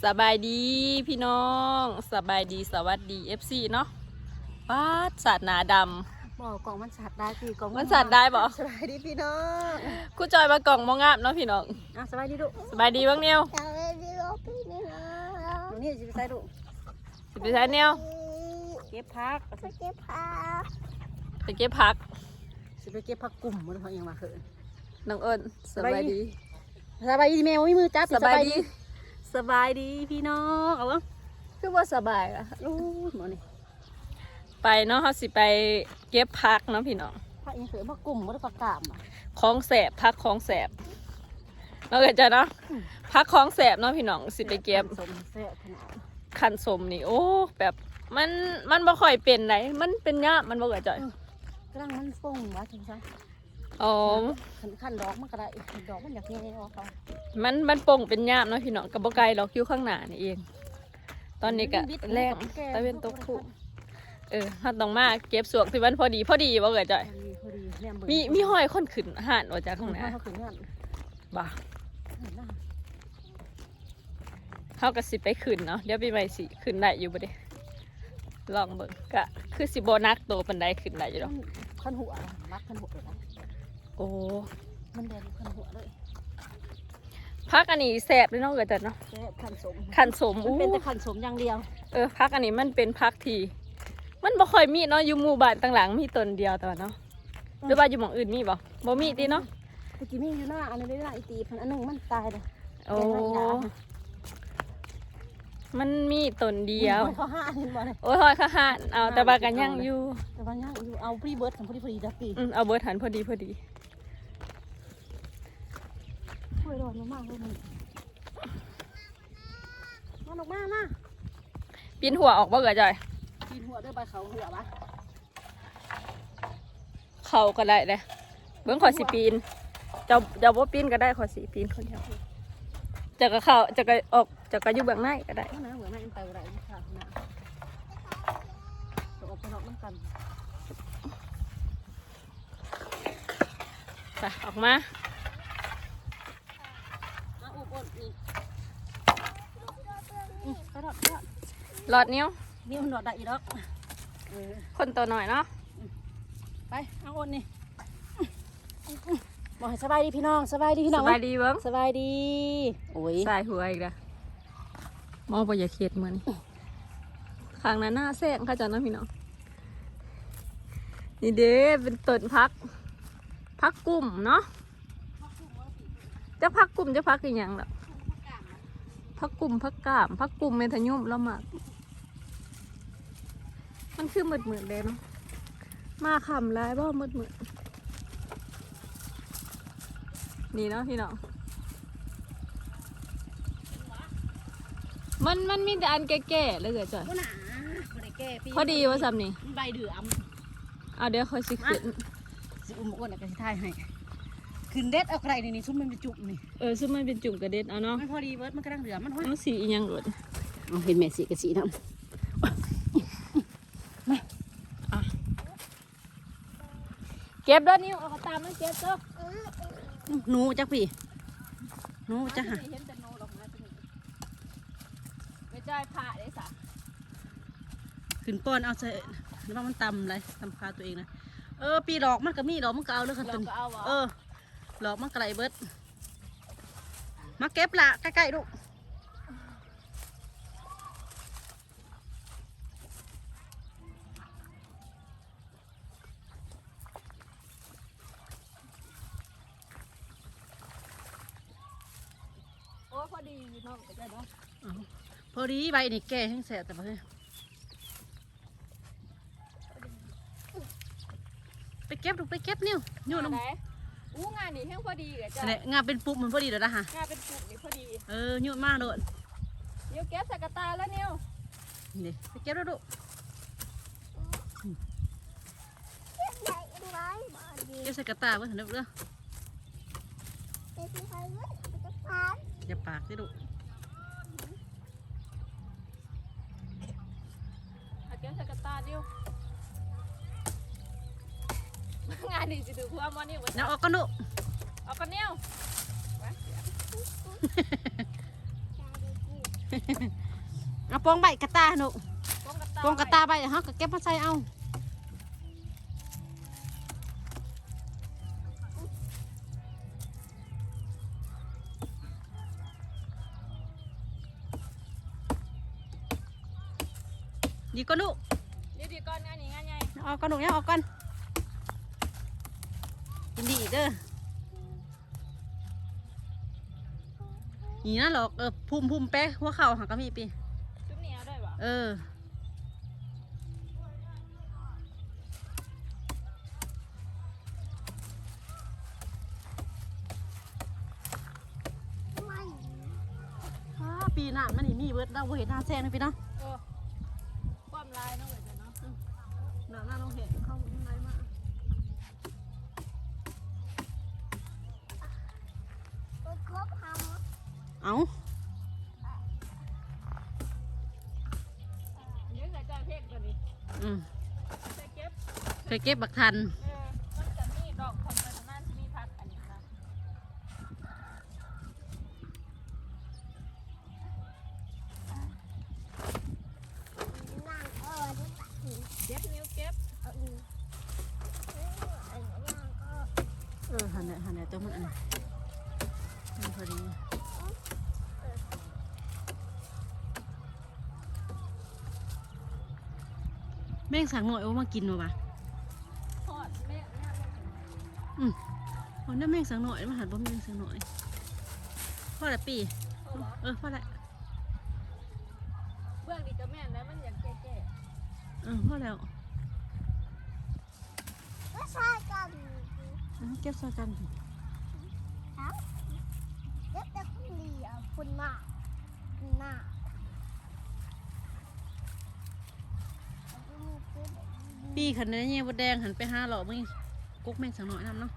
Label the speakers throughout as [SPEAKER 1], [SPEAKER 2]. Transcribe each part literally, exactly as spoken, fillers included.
[SPEAKER 1] สบายดีพี่น้องสบายดีสวัสดีเอฟซีเนาะป้าสัตว์หนาดำ
[SPEAKER 2] บอกกล่องมันสัตว์ได้พี่กล่อง
[SPEAKER 1] มันสัตว์ได้บ่
[SPEAKER 2] สบายดีพี่น้อง
[SPEAKER 1] กูจอยมากล่องมองาบเนาะพี่น้อง
[SPEAKER 2] อ่ะสบายดีลูก
[SPEAKER 1] สบายดีบ้างเนียว
[SPEAKER 3] สวัสดีลูกพี่น้อง
[SPEAKER 2] หนูนี่จะไปใส่ลูก
[SPEAKER 1] สิไปใช้เนียว
[SPEAKER 2] เก็บพัก
[SPEAKER 3] ไปเก็บผัก
[SPEAKER 1] ไปเก็บผัก
[SPEAKER 2] สิไปเก็บผักกลุ่มมันเพราะยังมาเขิน
[SPEAKER 1] น้องเอิญสบายดี
[SPEAKER 2] สบายดีแมวไม่มือจับ
[SPEAKER 1] สบายดี
[SPEAKER 2] สบายดีพี่น้องเอาวะ
[SPEAKER 1] คือว่าสบายอะ
[SPEAKER 2] ลูกหมอนี่
[SPEAKER 1] ไปเนาะเขาสิไปเก็บผักเนาะพี่น้อง
[SPEAKER 2] ผักยังเขินผักกลุ่มมันผักกามอ่ะ
[SPEAKER 1] ของแสบผักของแสบเราเกิดจะเนาะผักของแสบเนาะพี่น้องสิไปเก็บ
[SPEAKER 2] สมแซ่บขนาด
[SPEAKER 1] ขันสมนี่โอ้แบบมันมันบ่ค่อยเป็นไหนมันเป็นยากมันบ่เกิดจ่อย
[SPEAKER 2] กำลังมันฟงวะถึงซะ
[SPEAKER 1] อ๋อ
[SPEAKER 2] ขันขันดอกมันก็ได้ดอกมันอยากเงี้ยออกเขา
[SPEAKER 1] มันมันโป่งเป็นยามเนาะพี่น้องกับบ่ไกลดอกคิ้วข้างหน้านี่เอง ตอนนี้ก็แรงตะเวนตกคู่เออถ้าต้องมาเก็บสวกที่มันพอดีพอดีบ่เกิดจ่อย
[SPEAKER 2] พอดีแนมเบิ่ง
[SPEAKER 1] มีมีห้อยคนขึ้นห่านออกจากข้างหน้า
[SPEAKER 2] เขาขึ้นเงิน
[SPEAKER 1] บ่า
[SPEAKER 2] ขึ้นหน้า
[SPEAKER 1] เฮาก็สิไปขึ้นเนาะเดี๋ยวปีใหม่สิขึ้นได้อยู่บ่เด้ลองเบิ่งก็คือสิบ่นักโตปานใดขึ้นได้อยู่ดอก
[SPEAKER 2] ขั้นหัวรักขั้นหัวเลยนะ
[SPEAKER 1] โอ้
[SPEAKER 2] มันแดงขั้นหัวเลย
[SPEAKER 1] พักอันนี้แซ่บเลยเนาะเกิดจ่อยเนาะ
[SPEAKER 2] แค่ขั้นสม
[SPEAKER 1] ขันสม
[SPEAKER 2] มัน
[SPEAKER 1] อู้
[SPEAKER 2] เป็นแต่ขั้นสมอย่างเดียว
[SPEAKER 1] เออพักอันนี้มันเป็นพักที่มันบ่ค่อยมีเนาะอยู่หมู่บ้านต่างหลังมีต้นเดียวแต่ว่าเนาะหรือว่าอยู่หม่องอื่นมีบ่บ่มีติเนาะ
[SPEAKER 2] ตะกี้มีอยู่หน้าอันนี้ได้หน้าอีตีพันอันนึงมันตายเลย
[SPEAKER 1] โอ้มันมีต้นเดียว
[SPEAKER 2] เขาห้าเห็นบ่เลย
[SPEAKER 1] โอ้ยหอยข้าหานเอาแต่บากันยังอยู่
[SPEAKER 2] แต่ว่าย่างอยู่เอาพรีเบิร์ดของพอดีพอดีดับปี
[SPEAKER 1] อืมเอาเบิร์ดหันพอดีพอดี
[SPEAKER 2] ช่วยรอดมากเลยมันมันออกมามา
[SPEAKER 1] ปีนหัวออกบ่เกิดจ่อย
[SPEAKER 2] ปีนหัวด้วยใบเขาหัวปะ
[SPEAKER 1] เขาก็ได้เลยเบิ้งขอสิปีนเจ้าเจ้าบ่ปีนก็ได้ขอสิปีนคนเดียวจะก็เข้าจะก็ออกจะก็อยู่เบื้องในก็ได้
[SPEAKER 2] ข้างหน้าหัวแม่ไปอะไรค่ะข้างหน้าจะออกไปนอกน้ำกัน
[SPEAKER 1] ไปออกมา
[SPEAKER 2] มาอุบอ้นนี่อืมกระโดดกระโดด
[SPEAKER 1] หลอดนิ้ว
[SPEAKER 2] นี่มันโดดได้อีกแล้วเออ
[SPEAKER 1] คนตัวหน่อยเนาะ
[SPEAKER 2] ไปเอาอ้นนี่บอกให้สบายดีพี่น้องสบายดีพี่
[SPEAKER 1] ส
[SPEAKER 2] น้อง
[SPEAKER 1] บายดีเบิ้ง
[SPEAKER 2] สบายดีโอ้ย
[SPEAKER 1] สายหัวอีกแล้วมอบ่อย่าเข็ดเหมือนข้างนั้นหน้าแซงค่ะจ้ะน้องพี่น้องนี่เด้เป็นต้นพักพักกุ้มเนาะจะพักกุ้มจะพักอีกอย่างล่ะพักกุ้มพักกามพักกุ้มเมทะยุ่มแล้วมากมันคือหมืดหมืดเลยเนาะมาขำร้ายบ่หมืดหมืดนี่เนาะพี่น้องมันมันมีแต่อันแก่ๆเลยเกิดจ่อย
[SPEAKER 2] ก็หนาบ่ได้แก้ปี
[SPEAKER 1] พอดีว่าซ้ำนี่
[SPEAKER 2] มันใบเดือม
[SPEAKER 1] เอาเดี๋ยวคอยสิขึ้น
[SPEAKER 2] สิอุ้มอ้วนแล้วก็สิทายให้ขึ้นเด็ดเอาใครนี่นี่ซุ่มมันไปจุ่มนี่
[SPEAKER 1] เออซึ่งมันเป็นจุ่มกระเด็ดเอาเนาะ
[SPEAKER 2] มันพอดีเบิร์ดมันกำลังเดือมันห้อย
[SPEAKER 1] เอาสีอีหยังหลด
[SPEAKER 2] เอาเห็นแม่สีกับสีน้
[SPEAKER 1] เก็บด้วยนิ้วเอาเขาตามมันเก็บเจ้า
[SPEAKER 2] ำหนูจักพี่หนูจักหะ
[SPEAKER 1] เห็นแต่โนดอกนะตัวนี้ไม่ใช่ผ่าได้สะ
[SPEAKER 2] ขึ้นป้อนเอาใส่แล้วว่ามันตำอะไรตำคาตัวเองนะเออปีดอกมันก็มีดอกมันก็เอาเลยค่ะ
[SPEAKER 1] เรา
[SPEAKER 2] ตัวนี้
[SPEAKER 1] ก็เอาวะ
[SPEAKER 2] เออดอกมันก็ไหลเบิร์ดมาเก็บละใกล้ๆลูก
[SPEAKER 1] โอ้พอดีเนาะก็ได้เนาะ
[SPEAKER 2] เอาพอดีใบนี่แก่แห้งแสบแต่ว่าเฮ้ยไปเก็บลูกไปเก็บนิ้วนิ้วน้ำ
[SPEAKER 1] ไหนอู้งานนี่แห้งพอดีเลยจ้ะ
[SPEAKER 2] แสดงงานเป็นปุ๊บมันพอดีเดี๋ยวนะฮะ
[SPEAKER 1] งานเป็นจุ่มนี่พอดี
[SPEAKER 2] เออนิ้วมากโดด
[SPEAKER 1] นิ้วเก็บใส่กระตาแล้วนิ้ว
[SPEAKER 2] นี่ไปเก็บแล้วลูก
[SPEAKER 3] ใหญ่ไหมมาดี
[SPEAKER 2] เก็บใส่กระตาไว้เถอะเด้อ
[SPEAKER 3] เด็กที่ใครเว้ยเอาไปจับปลา
[SPEAKER 2] อย่าปากสิลูก
[SPEAKER 1] เอาเก็บใส่กระตานิ้วงานนี่จะดูความว่านิ้ว
[SPEAKER 2] แล้วออกกันลูก
[SPEAKER 1] เอากันนิ้ว
[SPEAKER 3] ใจดีกู
[SPEAKER 2] โป้งใบกระตาหนู
[SPEAKER 1] ป้องกระตา
[SPEAKER 2] โป้งกระตาใบฮะก็เก็บมาใส่เอาดีก็ลูก
[SPEAKER 1] เดี๋ยวดีก่อนงานนี้งานใหญ่
[SPEAKER 2] เอากระดูกเนี่ยออกกันกินดีเด้อนี่นะหรอกเออพุ่มพุ่มแป๊ะหัวเข่าหักก็มีปี
[SPEAKER 1] จุ๊บเหนียวได้ปะ
[SPEAKER 2] เออ
[SPEAKER 3] ไม่
[SPEAKER 2] อ้าปีหน้ามันนี่มีเบิดเราบ่เห็นหน้าแซงนะพี่เนาะ
[SPEAKER 1] เออความลายเนาะเว้ยเนาะ
[SPEAKER 2] หน้าหน้าเราเห็นเข้าข้างในมา
[SPEAKER 3] ก็ครบทำ
[SPEAKER 2] เอา
[SPEAKER 1] เดี๋ยวใส่จานเพกตัวนี้
[SPEAKER 2] อืม
[SPEAKER 1] ใส่เก็บ
[SPEAKER 2] เคยเก็บบักทัน
[SPEAKER 1] เออมันจะมีดอกคอนเทนนั่นมีพักอันนี้นะ
[SPEAKER 3] นั่งเออจะตัดหิน
[SPEAKER 1] เก็บนิ้วเก็บ
[SPEAKER 3] เอาอีกเออเออนั่งก็
[SPEAKER 2] เออหันเนี่ยหันเนี่ยตัวมันอันนี้มันพอดีแม่งสั่งหน่อยว่ามากินมาปะ
[SPEAKER 1] ทอดแม่เนี่ย
[SPEAKER 2] อืมวันนี้แม่งสั่งหน่อยมาหันบ่แม่งสั่งหน่อยพ่อละปี
[SPEAKER 1] เอาเหรอ
[SPEAKER 2] เออพ่อละ
[SPEAKER 1] เบื้องดีกับแม่แล้วมันอย่างแก่
[SPEAKER 2] เออพ่อแล้ว
[SPEAKER 3] ก็ใช่กัน
[SPEAKER 2] เออเก็บซอยกัน
[SPEAKER 3] เอ้าเด็กแต่คนเดียวคุณมากหน้า
[SPEAKER 2] ปีขันนี้เนี่ยบดแดงหันไปห้าหล่อมึงกุ๊กแม่งสั่งหน่อยนำเนาะ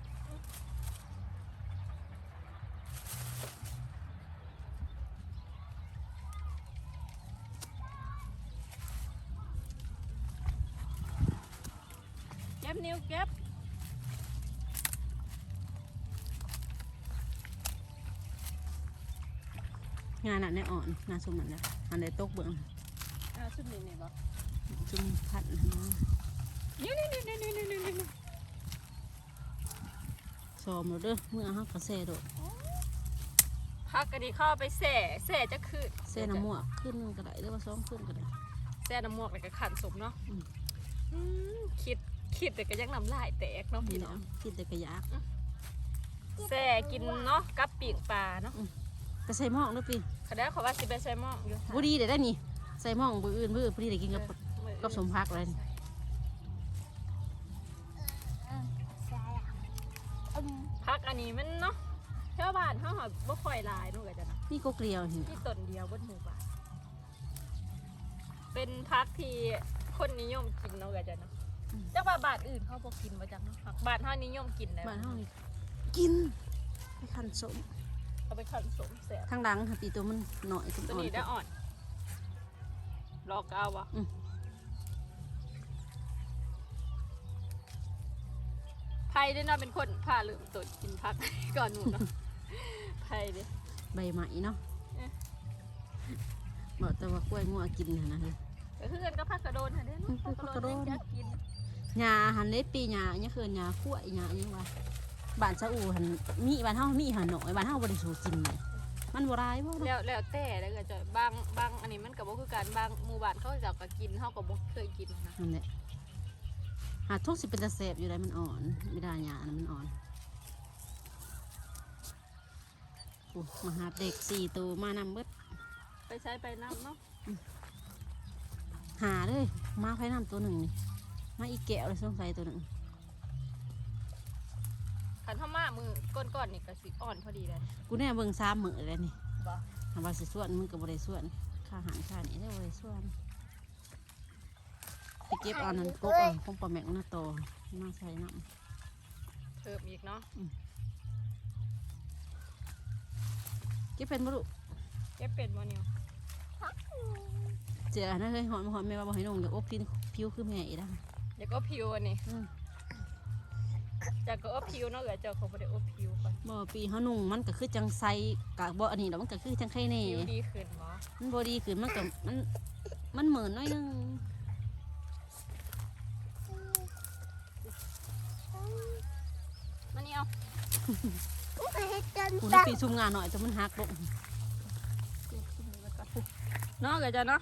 [SPEAKER 1] ๆเก็บนิ้วเก็บ
[SPEAKER 2] งานน่ะในอ่อนงานสมมันเนี่ยอันใดตกเบื้อง
[SPEAKER 1] อ่าชุดนี้นี่บ่
[SPEAKER 2] จุ่มพัดนะ
[SPEAKER 1] นี่นี่นี่นี่นี่นี่นี่
[SPEAKER 2] ซ้อมเราเด้อเมื่อห้ากระแสโดด
[SPEAKER 1] พักกันดีเข้าไปแส่แส่จะคืน
[SPEAKER 2] แส่น้ำหมวกขึ้นก็ได้หรือว่าซ้อมขึ้นก็ได้
[SPEAKER 1] แส่น้ำหมวกแล้วก็ขันสมเนาะ
[SPEAKER 2] อืม
[SPEAKER 1] อืมคิดคิดแต่ก็ยังน้ำลายแตกเนาะ
[SPEAKER 2] นี่
[SPEAKER 1] พี่
[SPEAKER 2] แหละ
[SPEAKER 1] เนาะ
[SPEAKER 2] กินแต่กระยาก
[SPEAKER 1] แส่กินเนาะกับปีกปลาเนาะ
[SPEAKER 2] ไปใส่หม้องเด้อปี
[SPEAKER 1] เขาได้เขาว่าสิไปใส่หม้ออยู่
[SPEAKER 2] บุดีเดี๋ยวได้นี่ใส่หม้องบืออื่นบือพอดีได้กินกับ
[SPEAKER 1] เออ
[SPEAKER 2] กับสมพักเลย
[SPEAKER 3] ใช่อ่ะอืม
[SPEAKER 1] พักอันนี้มันเนาะแถวบ้านเขาหอบ่ค่อยหลายนู่นก็จะนะ
[SPEAKER 2] นี่ก็เกลียวนี่
[SPEAKER 1] ที่ต้นเดียวบนหมู่บ้านเป็นพักที่คนนิยมกินเนาะก็จะเนาะจักว่าบ้านอื่นเขาบ่กินบ่จักเนาะผักบ้านเฮานิยมกินแล้ว
[SPEAKER 2] บ้านเฮานี่กินไปคันสม
[SPEAKER 1] เอาไปขันสมแซ่บ
[SPEAKER 2] ข้างหลังค่ะปีตัวมันหน่อยตัว
[SPEAKER 1] ตัว
[SPEAKER 2] อ่อน
[SPEAKER 1] นี้ได้อ่อนรอกเอาวะ
[SPEAKER 2] อืม
[SPEAKER 1] ไผ่ด้วยเนาะเป็นคนพาลืมตัวกินพัก ก่อนหนูเนาะไผ่เด้
[SPEAKER 2] ใบไหมเนาะ
[SPEAKER 1] เอ๊ะ
[SPEAKER 2] บอกแต่ว่ากล้วยงัวกินน่ะนะเฮ้ย
[SPEAKER 1] ก็คือกันก็พักกระโดนค่ะเด้เนาะ
[SPEAKER 2] อืม
[SPEAKER 1] พักกระโดน
[SPEAKER 2] พักกระโดน
[SPEAKER 1] อยากกิน
[SPEAKER 2] หญ้าหันเล็ดปีหญ้าเนี่ยคือหญ้ากล้วยหญ้าเนี่ยว่าบ้านซาอูหันมีบ้านเฮามีหันหน่อยบ้านเฮาบ่ได้สูกินเลยมันบ่ร้ายบ่เนาะ
[SPEAKER 1] แล้วแล้วแต่แล้วก็จะบางบางอันนี้มันก็บ่คือกันบางหมู่บ้านเขาเจะก็กินเฮาก็บ่เคยกินนะ
[SPEAKER 2] นั่นแหละหาทุกสิเป็นตะแสบอยู่ได้มันอ่อนไม่ได้หญ้านะมันอ่อนโอ้มาหาเด็กสี่ตัวมานำเบิด
[SPEAKER 1] ไปใช้ไปน้ำเนาะ
[SPEAKER 2] หาเลยมาไฟน้ำตัวหนึ่งนี่มาอีแก้วเลยสงสัยตัวหนึ่ง
[SPEAKER 1] ขันทมามือก้นๆนี่ก็สิอ่อนพอดีเลย
[SPEAKER 2] กูแน่เบิ่งซ้ำมือเลยนี่
[SPEAKER 1] บ่
[SPEAKER 2] ทำว่าสิส่วนมึงกับบริส่วนค่าอาหารค่านี่ได้บริส่วนไปเก็บเอานั้นกบเอาคงปลาแมงน่าโตมาใส่น้
[SPEAKER 1] เพิ่มอีกเนาะ
[SPEAKER 2] ำเก็บเป็นบุรุ
[SPEAKER 1] เก็บเป็ดบ่เนี่ย
[SPEAKER 3] พักอยู่
[SPEAKER 2] เจ้านะเฮ้ยหอนมาหอนแม่ว่าบ่ให้นงอย่าอบกินผิวคือแม่อีกนะ
[SPEAKER 1] เดี๋ยวก็ผิวอันนี้
[SPEAKER 2] อืม
[SPEAKER 1] จากก็อบผิวเนาะเอ๋ยเจ้าเขาบ่ได้อบผิวก่อน
[SPEAKER 2] บ่ปีเฮานุ่งมันก็คือจังไซกะบ่อันนี้ดอกมันก็คือจังไข่แน่
[SPEAKER 1] ผิวดีขึ้นบ่
[SPEAKER 2] มันบ่ดีขึ้นมันก็มันมันเหมือนน้อยนึง
[SPEAKER 1] มานี่เอา
[SPEAKER 3] อุ้ยเฮ็ดจน
[SPEAKER 2] กู
[SPEAKER 3] ตา
[SPEAKER 2] ปีซุ่มงานหน่อยแต่มันหักลง
[SPEAKER 1] เนาะเอ๋ยเจ้าเนาะ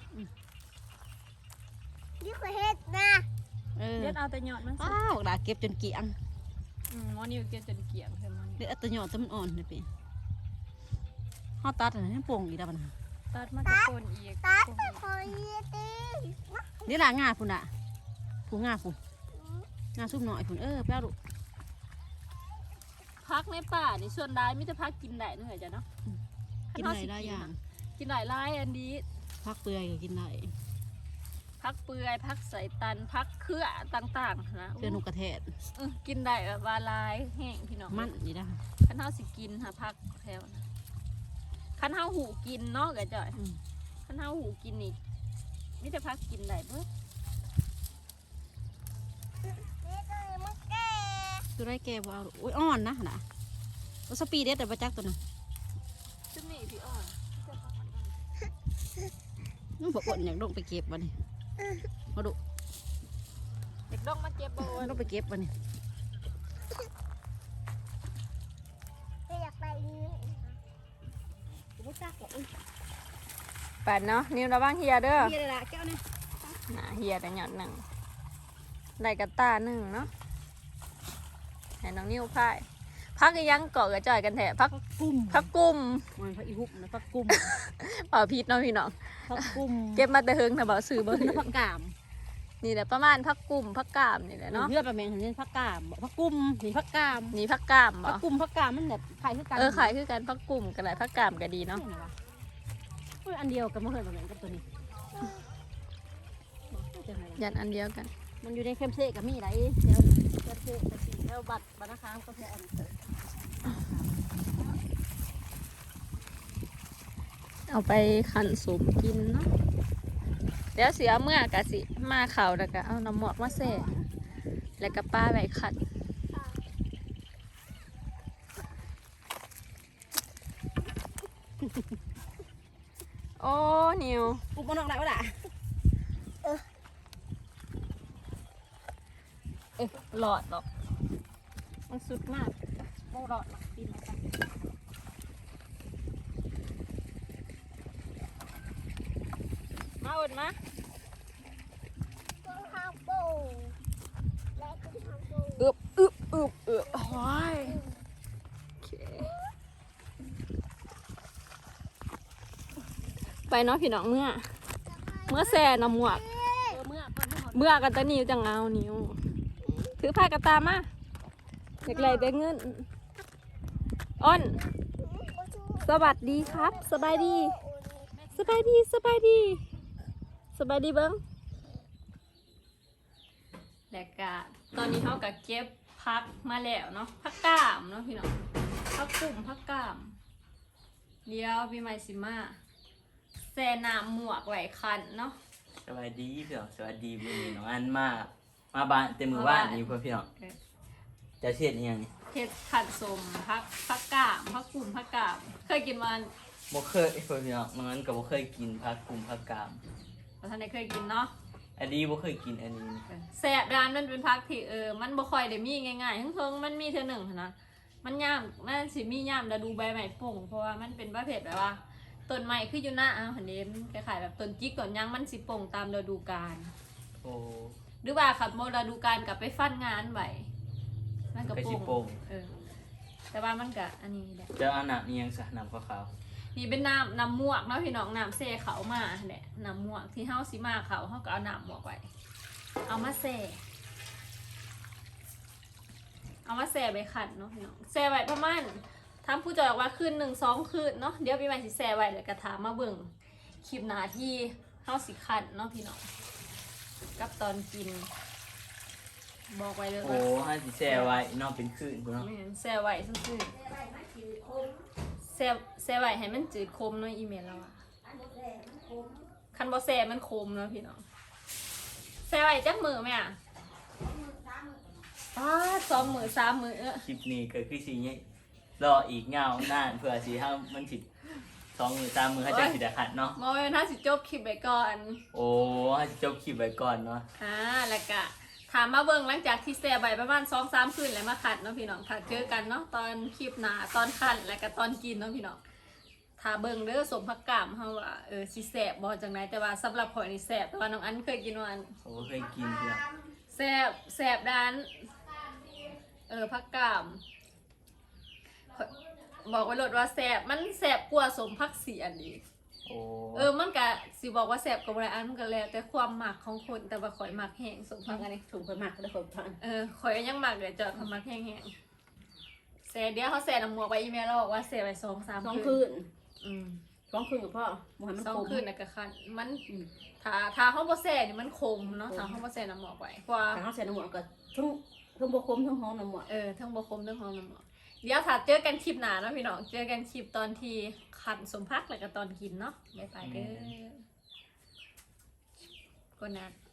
[SPEAKER 3] นี่คือเฮ็ดนะ
[SPEAKER 2] เออ
[SPEAKER 1] เด็ดเอาแต่ยอดมันสิ
[SPEAKER 2] อ้าวดาเก็บจนเกลี้ยง
[SPEAKER 1] อืมหมอนี่เก็บจนเกลี่ยงเพิ่นมัน
[SPEAKER 2] เด็ดเอาแตะหยอดแต่มันอ่อนนี่ปีเฮาตัดอันนั้นให้โป่งอีกแล้วบัดน่ะ
[SPEAKER 1] ตัดมาตะโกนอีก
[SPEAKER 3] ตา
[SPEAKER 1] โกน
[SPEAKER 3] ตะ
[SPEAKER 1] อีก
[SPEAKER 3] คอยตี
[SPEAKER 2] เดี๋ยวล่ะงาพุ่นน่ะผู้งาพุ่นงาซุ่มหน่อยพุ่นเออแป้วลูก
[SPEAKER 1] พักในป่านี่ส่วนได้มีแต่พักกินได้เนาะเอ๋ยเจ้าเนาะ
[SPEAKER 2] กินได้หลายอย่าง
[SPEAKER 1] กินหลายหลายอันนี้
[SPEAKER 2] ผักเปื่อยก็กินได้
[SPEAKER 1] พักเปื่อยพักใส่ตันพักเครือต่างๆนะ
[SPEAKER 2] เพื่อนนกกระแทก
[SPEAKER 1] อื้อกินได้แบบว่าหลายแห้งพี่น้อง
[SPEAKER 2] มันนี่นะ
[SPEAKER 1] คันเฮาสิกินหาพักแถวนะคันเฮาหูกินเนาะเอ๋ยเจ้า
[SPEAKER 2] อืม
[SPEAKER 1] คันเฮาหูกินนี่มีแต่พักกินได้เบิด
[SPEAKER 3] นี่คือมันแก่
[SPEAKER 2] ตัวได้แกบ่เอาลูกอุ้ยอ่อนนะน่ะว่าสปีเด็ดแต่ประจักตัวน่ะ
[SPEAKER 1] จุ่มนี่พี่อ่อน
[SPEAKER 2] มันบอกว่าอยากลงไปเก็บวันนี้มาดู
[SPEAKER 1] เด็กดองมาเก็บบ่
[SPEAKER 2] ลงไปเก็บวันนี้
[SPEAKER 3] ไม่อยากไปนี่
[SPEAKER 2] ไม่จักหรอกอุ้ย
[SPEAKER 1] ปัดเนาะนิ้วระวังเฮียเด้อ
[SPEAKER 2] เฮียเลยล่ะแก้วนี่
[SPEAKER 1] น่ะเฮียแต่หยอดหนึ่งได้กระตาหนึ่งเนาะให้น้องนิ้วพายพักอีหยังเกาะกระจ่อยกันแถะพัก
[SPEAKER 2] ผักกุ้ม
[SPEAKER 1] พักกุ้ม
[SPEAKER 2] มันผักอีหุบนะผักกุ้ม
[SPEAKER 1] เปล่าพิษเนาะพี่น้อง
[SPEAKER 2] ผักกุ้ม
[SPEAKER 1] เก็บมาแต่เฮิงนะเบาซื้อบ่
[SPEAKER 2] ผัก
[SPEAKER 1] ถื
[SPEAKER 2] กุ้
[SPEAKER 1] อ
[SPEAKER 2] มผักกาม
[SPEAKER 1] นี่แหละประมาณพักกุ้มพักกามนี่แหละเนาะ
[SPEAKER 2] เลือดประแมงเห็นผักกามบอกผักกุ้มนี่ผักกาม
[SPEAKER 1] นี่พักกามบ่
[SPEAKER 2] ผักกุ้มผักกามมันแบบไข่คือกัน
[SPEAKER 1] เออขายคือกันพักกุ้มกันหลายพักกามก็ดีเนาะ
[SPEAKER 2] อุ้ยอันเดียวกันมาเคยประแมงกับตัวนี้
[SPEAKER 1] ยันอันเดียวกัน
[SPEAKER 2] มันอยู่ในเข้มเซ่กับมีไรเดี๋ยวเข้มเซ่กับสีแล้วบัตรบัตรนะคะก็แค่อันเดียว
[SPEAKER 1] เอาไปขันสุมกินเนาะเดี๋ยวเสียเมื่อกะสิมาเข่าแล้วก็เอาน้ำหมอกมาแส่แล้วก็ป้าไว้ขัดโอ้นิว
[SPEAKER 2] ปุ๊บมันออกไหนวะล่ะ
[SPEAKER 1] เออหลอดหรอกมันสุดมากโอ้หลอดหรอกปีนมามาอดมา
[SPEAKER 3] ต้นข้าวปูและต้นข้าวปู
[SPEAKER 1] อึบอึบอึบอึบโอ้ยโอเคไปเนาะพี่น้องเมื่อ เมื่อแซ่น้ำหมวก
[SPEAKER 2] เออเมื่อก่อนที่เขา
[SPEAKER 1] เมื่อกันตะนิวจังเอานิ้วถือผ้ากระตามาเด็กไรได้เงินอ้นสวัสดีครับ สบายดี สบายดีสบายดี สบายดีเบิ้งแล้วก็ตอนนี้เขาก็เก็บพักมาแล้วเนาะพักกามเนาะพี่น้องพักกลุ่มพักกามเดี๋ยวพี่ไมซิมาแซ่น้ำหมวกไหวคันเนาะ
[SPEAKER 4] สวัสดีพี่น้องสวัสดีมื้อนี้น้องอันมา มาบ้านเต็มมือบ้านนี่เพื่อนพี่น้องจะเช็ดอิหยังนี่
[SPEAKER 1] เห็ดขัดสมพักพักกามพักกลุ่มพักกามเคยกินมัน
[SPEAKER 4] บ่เคยเพื่อนพี่น้องน้องอันก็บ่เคยกินผักกุมผักกาม
[SPEAKER 1] แต่ท่านได้เคยกินเนาะ
[SPEAKER 4] อันนี้บ่เคยกินอันนี้นี่
[SPEAKER 1] แซ่บร้านมันเป็นพักที่เออมันบ่ค่อยได้มีง่ายๆทั้งเพิ่งมันมีเท่าหนึ่งหั้นนะมันย่ามมันสิมีย่ามแล้วดูใบใหม่ป่งเพราะว่ามันเป็นประเภทแบบว่าต้นใหม่คืออยู่หน้าอ้าวหันเดมคล้ายๆแบบต้นจิกต้นหยังมันสิป่งตามฤดูกาล
[SPEAKER 4] โอ้
[SPEAKER 1] หรือว่าขับโมฤดูกาลกลับไปฟันงานไว้มันก็
[SPEAKER 4] ก็สิ
[SPEAKER 1] ป่
[SPEAKER 4] โป่
[SPEAKER 1] ง
[SPEAKER 4] ง
[SPEAKER 1] เออแต่ว่ามันก็อันนี้แหละ
[SPEAKER 4] จะเอาน้ำอิหยังซะน้ำขาว
[SPEAKER 1] นี่เป็นน้ำน้ำมวกเนาะพี่น้องน้ำเซ่เขามาแหละน้ำมวกที่เฮาสิมาเขาเฮาก็เอาน้ำมวกไว้เอามาเซ่เอามาแซ่ไปขัดเนาะพี่น้องแซ่ไว้ประมาณทำผู้จอยบอกว่าคืนหนึ่งสองคืนเนาะเดี๋ยวพี่ใหม่สิแซ่ไว้แล้วก็ถามมาเบิ่งคลิปหน้าที่เฮาสิขัดเนาะพี่น้องกับตอนกิน บอกไว้เลย
[SPEAKER 4] ๆโอ้
[SPEAKER 1] ว่า
[SPEAKER 4] ให้สิแช่ไว้นอกเป็นคืนพุ่นเนาะ
[SPEAKER 1] ไม่เห็นแซ่ไว้ซื่อๆแซ่แซ่ไว้ให้มันจืดคมเนาะอีเมลเราอะคันบ่แซ่มันคมเนาะพี่น้องแซ่ไว้จักมือไหมอะป้าดสองมือสามมือ
[SPEAKER 4] คลิปนี้ก็คือสิเนี่ยรออีกเงานานเพื่อสิให้มันสิสองมือสามมือให้เจ้าสิได้ขัดเนาะ
[SPEAKER 1] มอเวนถ้าสิจบคลิปไปก่อน
[SPEAKER 4] โอ้ให้จบคลิปไว้ก่อนเนาะ
[SPEAKER 1] อ่าแล้วก็ถามมาเบิ่งหลังจากที่แซ่ใบประมาณสองสามคืนแล้วมาขัดเนาะพี่น้องถ้าเจอกันเนาะตอนคลิปหน้าตอนขัดแล้วก็ตอนกินเนาะพี่น้องถ้าเบิ่งเด้อสมพักกามเฮาว่าเออสิแซ่บบ่จังไดแต่ว่าสำหรับข่อยนี่แซ่บแต่ว่าน้องอันเคยกินว่าอัน
[SPEAKER 4] โอ้เคยกินเพื่อน
[SPEAKER 1] แซ่บแซ่บด้านเออพักกามข้อยบอกไว้โลดว่าแซ่บมันแซ่บกว่าสมพักเสียนอีก
[SPEAKER 4] โอ้
[SPEAKER 1] เออมันก็สิบอกว่าแซ่บกับอะไรอันมันก็แล้วแต่ความหมักของคนแต่ว่าข่อยหมักแห้งสมพักอันนี้
[SPEAKER 2] ถุงไปหมักแล้วคนทาน
[SPEAKER 1] เออข่อยยังหมักเลยจอดเขาหมักแห้งๆแซ่เดี๋ยวเขาแซ่น้ำหมวกไปอีเมลเราบอกว่าแซ่ไปสองสาม
[SPEAKER 2] สอง
[SPEAKER 1] คื
[SPEAKER 2] คื
[SPEAKER 1] น
[SPEAKER 2] น
[SPEAKER 1] อืม
[SPEAKER 2] สองคืนกับพ่อบ่ให้มัน
[SPEAKER 1] สอง
[SPEAKER 2] คม
[SPEAKER 1] คืนนะกะคันมัน
[SPEAKER 2] อืม
[SPEAKER 1] ถ้าถ้าเขาบ่แซ่นี่มันคมเนาะถ้าเขาบ่แซ่น้ำหมวกไว้กว่า
[SPEAKER 2] ถ้าเขาใส่น้ำหมวกก็ทั้งทั้งบ่คมทั้งหอมน้ำหมวก
[SPEAKER 1] เออทั้งบ่คมทั้งหอมน้ำหมวกเดี๋ยวถ้าเจอกันคลิปหน้าเนาะพี่น้องเจอกันคลิปตอนที่ขันสมพักแล้วก็ตอนกินเนาะบ๊ายบายเด้อก็นะ